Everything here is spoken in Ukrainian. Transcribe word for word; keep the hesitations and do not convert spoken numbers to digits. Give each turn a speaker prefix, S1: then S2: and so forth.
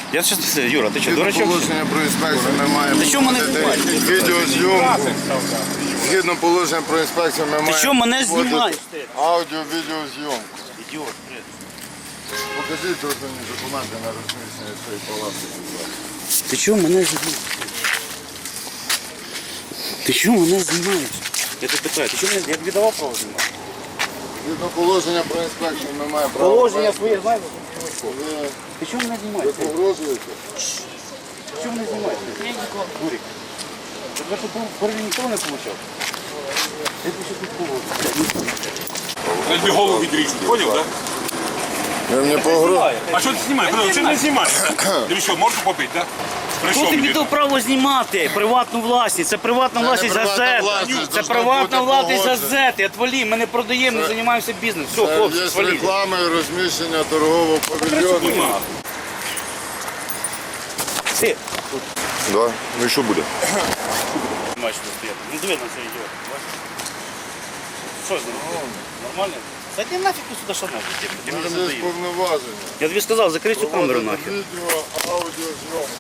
S1: Я щас, Юра, ти що,
S2: Згідно
S1: дурачок?
S2: положення про інспекцію ми маємо
S1: Ти що мене
S2: проводити
S1: знімаєш?
S2: відеозйомку. Згідно положення про інспекцію ми маємо
S1: що мене
S2: проводити
S1: знімаєш?
S2: аудіо-відеозйомку.
S1: Ідіот, блядь.
S2: Покажіть тут мені документи на розміщення цієї палати.
S1: Ти чого мене знімаєш? Ти чого мене знімаєш? Я тебе питаю, ти чого мене, я тобі давав право знімати?
S2: Згідно положення про інспекцію ми маємо право.
S1: Положення своє знаєш?
S2: Ви,
S1: Ти чого мене
S2: ви
S1: знімаєш?
S2: погрожуєте?
S1: Ти чого мене знімаєш? Гурик. Я тут перший ніхто не получав. Я тут ще тут положу.
S3: Я тобі голову відріжу, поняв, так?
S2: Ви мені погрожуєте?
S3: А що ти знімаєш? Що ти не знімаєш? Ти що, морду побити, так?
S1: Хто
S3: Прийшов
S1: тобі
S3: мені.
S1: дав право знімати приватну власність? Це приватна
S2: Це не
S1: власність
S2: приватна
S1: газети.
S2: власність,
S1: Це
S2: должно
S1: приватна
S2: бути
S1: власність
S2: погоджено.
S1: газети. Отвалі, ми не продаємо, не займаємося бізнесом. Все, хлопці,
S2: Є
S1: сваліть.
S2: реклама і розміщення торгового павільйону.
S1: Ти,
S2: Да. Ну і що буде?
S1: маєш тут стояти. Ну диви на це ідіот. Бачиш? Що з ним? Нормально? Зайди нафіг ти сюди, що нафіг? Ти
S2: У
S1: мені
S2: нас
S1: вже
S2: є
S1: надоїв.
S2: повноваження.
S1: Я тобі сказав, закрий цю камеру нахер.
S2: Відео, аудіозйомку.